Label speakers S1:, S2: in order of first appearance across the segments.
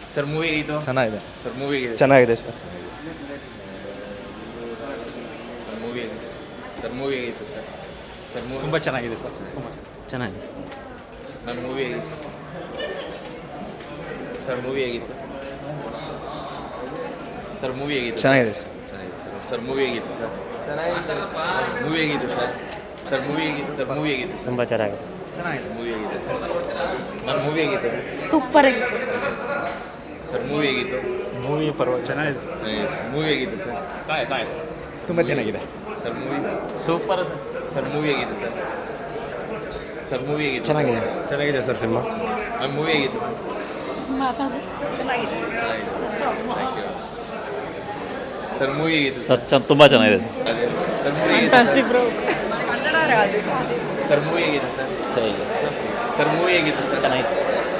S1: Sir movie ಹೇಗಿತ್ತು?
S2: ಚೆನ್ನಾಗಿದೆ
S1: sir movie ಹೇಗಿದೆ?
S2: ಚೆನ್ನಾಗಿದೆ ಸರ್.
S1: ಮೂವಿ ಹೇಗಿದೆ? ಸರ್ ಮೂವಿ ಹೇಗಿತ್ತು ಸರ್? ಸರ್ ಮೂವಿ
S2: ತುಂಬ ಚೆನ್ನಾಗಿದೆ ಸರ್. ತುಂಬ
S3: ಚೆನ್ನಾಗಿದೆ
S1: ನನ್ನ ಮೂವಿ ಹೇಗಿತ್ತು? ಸರ್ ಮೂವಿ ಹೇಗಿತ್ತು? ಸರ್ ಮೂವಿ ಹೇಗಿತ್ತು?
S2: ಚೆನ್ನಾಗಿದೆ ಸರ್.
S1: ಚೆನ್ನಾಗಿದೆ ಸರ್. ಸರ್ ಮೂವಿ ಹೇಗಿತ್ತು ಸರ್? ಚೆನ್ನಾಗಿತ್ತು. ಮೂವಿ ಹೇಗಿತ್ತು ಸರ್? ಸರ್ ಮೂವಿ ಹೇಗಿತ್ತು? ಸರ್ ಮೂವಿ ಹೇಗಿತ್ತು ಸರ್?
S3: ತುಂಬ ಚೆನ್ನಾಗಿದೆ.
S2: ಚೆನ್ನಾಗಿದೆ
S1: ಮೂವಿ ಹೇಗಿದೆ ಸರ್? ನನ್ನ ಮೂವಿ ಹೇಗಿತ್ತು?
S4: ಸೂಪರ್ ಆಗಿದೆ
S1: ಸರ್ ಮೂವಿ ಹೇಗಿತ್ತು?
S2: ಮೂವಿ ಪರವಾಗಿ ಚೆನ್ನಾಗಿದೆ.
S1: ಚೆನ್ನಾಗಿದೆ ಸರ್. ಮೂವಿ ಹೇಗಿತ್ತು ಸರ್?
S2: ತುಂಬ ಚೆನ್ನಾಗಿದೆ
S1: sir movie
S3: super
S1: sir movie ಹೇಗಿತ್ತು ಸರ್? ಸರ್ ಮೂವಿ ಹೇಗಿತ್ತು?
S2: ಚೆನ್ನಾಗಿದೆ. ಚೆನ್ನಾಗಿದೆ ಸರ್ ಸಿನಿಮಾ.
S1: ನನ್ನ ಮೂವಿ ಹೇಗಿತ್ತು?
S4: ಮಾತಾಡು ಚೆನ್ನಾಗಿದೆ
S1: ಚೆನ್ನಾಗಿದೆ. Thank you. ಸರ್ ಮೂವಿ ಹೇಗಿತ್ತು
S3: ಸರ್ ತುಂಬ ಚೆನ್ನಾಗಿದೆ ಸರ್.
S1: ಅದೇ ಸರ್ ಮೂವಿ ಹೇಗಿತ್ತು?
S4: ಬ್ರೋ ಕನ್ನಡ
S1: ಸರ್ ಮೂವಿ ಹೇಗಿತ್ತು ಸರ್? ಸರ್ ಮೂವಿ ಹೇಗಿತ್ತು ಸರ್?
S3: ಚೆನ್ನಾಗಿತ್ತು.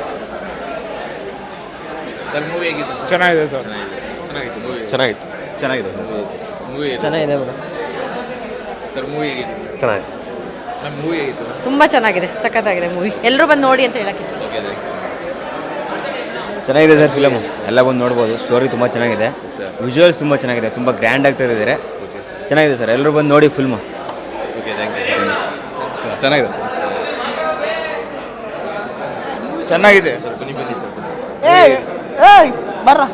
S1: ಸರ್ ಮೂವಿ ಹೇಗಿತ್ತು ಸರ್?
S2: ಚೆನ್ನಾಗಿದೆ ಸರ್.
S1: ಚೆನ್ನಾಗಿತ್ತು ಮೂವಿ.
S2: ಚೆನ್ನಾಗಿತ್ತು. ಚೆನ್ನಾಗಿದೆ ಸರ್.
S1: ಮೂವಿ
S3: ಚೆನ್ನಾಗಿದೆ ಬ್ರೋ.
S1: ಸರ್ ಮೂವಿ ಹೇಗಿತ್ತು?
S2: ಚೆನ್ನಾಗಿದೆ.
S1: ನನ್ನ ಮೂವಿ ಹೇಗಿತ್ತು ಸರ್?
S4: ತುಂಬ ಚೆನ್ನಾಗಿದೆ, ಸಖತ್ತಾಗಿದೆ ಮೂವಿ. ಎಲ್ಲರೂ ಬಂದು ನೋಡಿ ಅಂತ ಹೇಳಕ್ಕೆ ಇಷ್ಟ.
S1: Okay thank you.
S5: ಚೆನ್ನಾಗಿದೆ ಸರ್ ಫಿಲಮು. ಎಲ್ಲ ಬಂದು ನೋಡ್ಬೋದು. ಸ್ಟೋರಿ ತುಂಬ ಚೆನ್ನಾಗಿದೆ. ವಿಜುವಲ್ಸ್ ತುಂಬ ಚೆನ್ನಾಗಿದೆ. ತುಂಬ ಗ್ರ್ಯಾಂಡ್ ಆಗ್ತಾ ಇದ್ದಾರೆ. ಚೆನ್ನಾಗಿದೆ ಸರ್. ಎಲ್ಲರೂ ಬಂದು ನೋಡಿ ಫಿಲ್ಮು.
S1: Okay thank you.
S2: ಚೆನ್ನಾಗಿದೆ ಚೆನ್ನಾಗಿದೆ.
S1: ಸರ್ ಬನ್ನಿ ಬನ್ನಿ ಸರ್.
S6: బర్రా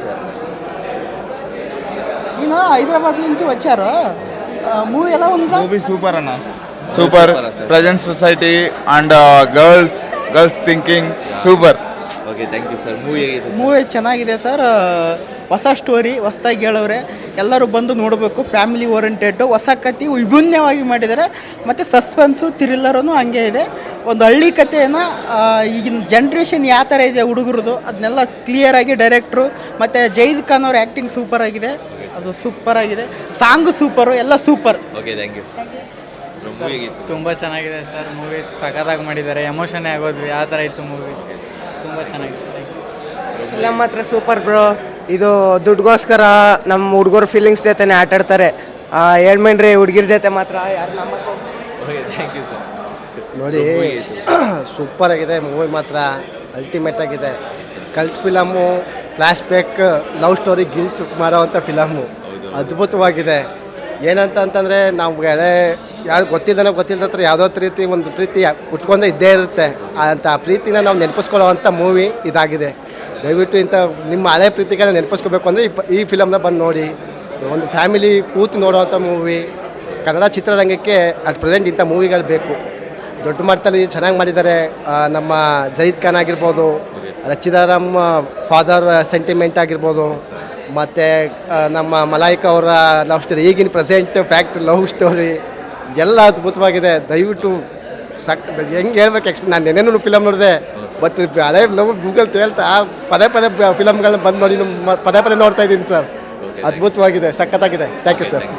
S6: ఈయన హైదరాబాద్ నుంచి వచ్చారు. మూవీ ఎలా ఉందా?
S7: మూవీ సూపర్ అన్న. Super. Present society and girls thinking super.
S1: Okay thank you sir. Movie ಹೇಗಿತ್ತು ಸರ್?
S6: ಮೂವಿ ಚೆನ್ನಾಗಿದೆ ಸರ್. ಹೊಸ ಸ್ಟೋರಿ, ಹೊಸದಾಗಿ ಹೇಳವ್ರೆ. ಎಲ್ಲರೂ ಬಂದು ನೋಡಬೇಕು. ಫ್ಯಾಮಿಲಿ ಓರಿಯೆಂಟೆಡ್, ಹೊಸ ಕತೆ ವಿಭಿನ್ನವಾಗಿ ಮಾಡಿದ್ದಾರೆ. ಮತ್ತು ಸಸ್ಪೆನ್ಸು ಥ್ರಿಲ್ಲರೂ ಹಂಗೆ ಇದೆ. ಒಂದು ಹಳ್ಳಿ ಕಥೆಯನ್ನು ಈಗಿನ ಜನ್ರೇಷನ್ ಯಾವ ಥರ ಇದೆ ಹುಡುಗರದು ಅದನ್ನೆಲ್ಲ ಕ್ಲಿಯರಾಗಿ ಡೈರೆಕ್ಟ್ರು ಮತ್ತು ಜೈದ್ ಖಾನ್ ಅವ್ರ ಆ್ಯಕ್ಟಿಂಗ್ ಸೂಪರ್ ಆಗಿದೆ. ಅದು ಸೂಪರ್ ಆಗಿದೆ. ಸಾಂಗು ಸೂಪರು, ಎಲ್ಲ super.
S1: Okay thank you. Movie ಹೇಗಿತ್ತು?
S8: ತುಂಬ ಚೆನ್ನಾಗಿದೆ ಸರ್. ಮೂವಿ ಸಖತ್ತಾಗಿ ಮಾಡಿದ್ದಾರೆ. ಎಮೋಷನ್ನೇ ಆಗೋದ್ವಿ. ಆ ಥರ ಇತ್ತು ಮೂವಿ. ತುಂಬ ಚೆನ್ನಾಗಿದೆ.
S9: ಫಿಲಮ್ ಮಾತ್ರ ಸೂಪರ್ ಬ್ರೋ. ಇದು ದುಡ್ಗೋಸ್ಕರ ನಮ್ಮ ಹುಡುಗರು ಫೀಲಿಂಗ್ಸ್ ಜೊತೆನೇ ಆಟಾಡ್ತಾರೆ. ಹೇಳ್ಮೇನ್ರಿ ಹುಡುಗಿರ ಜೊತೆ ಮಾತ್ರ ಯಾರು ನಮ್ಮ
S1: ಓಕೆ ಥ್ಯಾಂಕ್ ಯು ಸರ್.
S9: ನೋಡಿ ಸೂಪರ್ ಆಗಿದೆ ಮೂವಿ ಮಾತ್ರ. ಅಲ್ಟಿಮೇಟ್ ಆಗಿದೆ. Cult film, flashback, love story guilt ಮಾಡೋವಂಥ ಫಿಲಮು. ಅದ್ಭುತವಾಗಿದೆ. ಏನಂತ ಅಂತಂದರೆ ನಾವು ಯಾರು ಗೊತ್ತಿಲ್ಲದ ಹತ್ರ ಯಾವುದೋ ರೀತಿ ಒಂದು ಪ್ರೀತಿ ಉಟ್ಕೊಂಡೇ ಇದ್ದೇ ಇರುತ್ತೆ. ಅಂತ ಪ್ರೀತಿನ ನಾವು ನೆನಪಿಸ್ಕೊಳ್ಳೋವಂಥ ಮೂವಿ ಇದಾಗಿದೆ. ದಯವಿಟ್ಟು ಇಂಥ ನಿಮ್ಮ ಹಳೆ ಪ್ರೀತಿಗಳನ್ನ ನೆನಪಿಸ್ಕೋಬೇಕು ಅಂದರೆ ಈ ಫಿಲಮ್ನ ಬಂದು ನೋಡಿ. ಒಂದು ಫ್ಯಾಮಿಲಿ ಕೂತು ನೋಡೋವಂಥ ಮೂವಿ. ಕನ್ನಡ ಚಿತ್ರರಂಗಕ್ಕೆ ಅಟ್ ಪ್ರೆಸೆಂಟ್ ಇಂಥ ಮೂವಿಗಳು ಬೇಕು. ದೊಡ್ಡ ಮಟ್ಟದಲ್ಲಿ ಚೆನ್ನಾಗಿ ಮಾಡಿದ್ದಾರೆ. ನಮ್ಮ ಜೈದ್ ಖಾನ್ ಆಗಿರ್ಬೋದು, ರಚಿತಾರಾಮ್ ಫಾದರ್ ಸೆಂಟಿಮೆಂಟ್ ಆಗಿರ್ಬೋದು, ಮತ್ತು ನಮ್ಮ ಮಲಾಯಿಕಾ ಅವರ ಲವ್ ಸ್ಟೋರಿ, ಈಗಿನ ಪ್ರೆಸೆಂಟ್ ಫ್ಯಾಕ್ಟ್ ಲವ್ ಸ್ಟೋರಿ ಎಲ್ಲ ಅದ್ಭುತವಾಗಿದೆ. ದಯವಿಟ್ಟು ಹೆಂಗೆ ಹೇಳ್ಬೇಕು ನಾನು ನೆನೆನೂ ಫಿಲಮ್ ನೋಡಿದೆ. ಬಟ್ ಹಳೆ ಲವ್ ಗೂಗಲ್ ತೇಳ್ತಾ ಪದೇ ಫಿಲಮ್ಗಳನ್ನ ಬಂದು ನೋಡಿ ಪದೇ ನೋಡ್ತಾ ಇದ್ದೀನಿ ಸರ್. ಅದ್ಭುತವಾಗಿದೆ, ಸಖತ್ತಾಗಿದೆ. Thank you sir.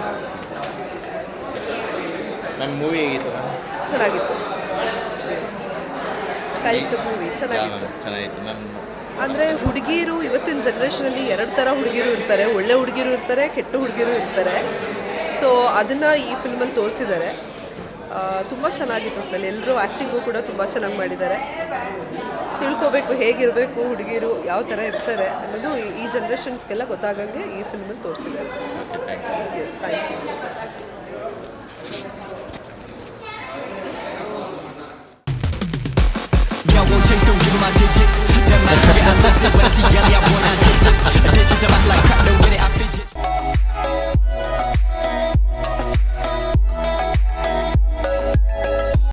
S1: ನನ್ನ ಮೂವಿ ಹೇಗಿತ್ತು?
S4: ಚೆನ್ನಾಗಿತ್ತು. ಕಲ್ಟ್ ಮೂವಿ ಚೆನ್ನಾಗಿತ್ತು.
S1: ಚೆನ್ನಾಗಿತ್ತು. ನನ್ನ
S4: ಅಂದರೆ ಹುಡುಗಿರು ಇವತ್ತಿನ ಜನ್ರೇಷನಲ್ಲಿ ಎರಡು ಥರ ಹುಡುಗಿರು ಇರ್ತಾರೆ. ಒಳ್ಳೆ ಹುಡುಗಿರು ಇರ್ತಾರೆ, ಕೆಟ್ಟ ಹುಡುಗಿರು ಇರ್ತಾರೆ. ಸೊ ಅದನ್ನು ಈ ಫಿಲ್ಮಲ್ಲಿ ತೋರಿಸಿದ್ದಾರೆ. ತುಂಬ ಚೆನ್ನಾಗಿತ್ತು. ಒಟ್ಟಿನಲ್ಲಿ ಎಲ್ಲರೂ ಆ್ಯಕ್ಟಿಂಗು ಕೂಡ ತುಂಬ ಚೆನ್ನಾಗಿ ಮಾಡಿದ್ದಾರೆ. ತಿಳ್ಕೊಬೇಕು ಹೇಗಿರಬೇಕು ಹುಡುಗಿರು, ಯಾವ ಥರ ಇರ್ತಾರೆ ಅನ್ನೋದು ಈ ಜನ್ರೇಷನ್ಸ್ಗೆಲ್ಲ ಗೊತ್ತಾಗಂಗೆ ಈ ಫಿಲ್ಮಲ್ಲಿ ತೋರಿಸಿದ್ದಾರೆ. Yes thank you.
S10: Yo, won't chase, don't give 'em my digits. Them man, get out, when I see Gally, I want that dicks.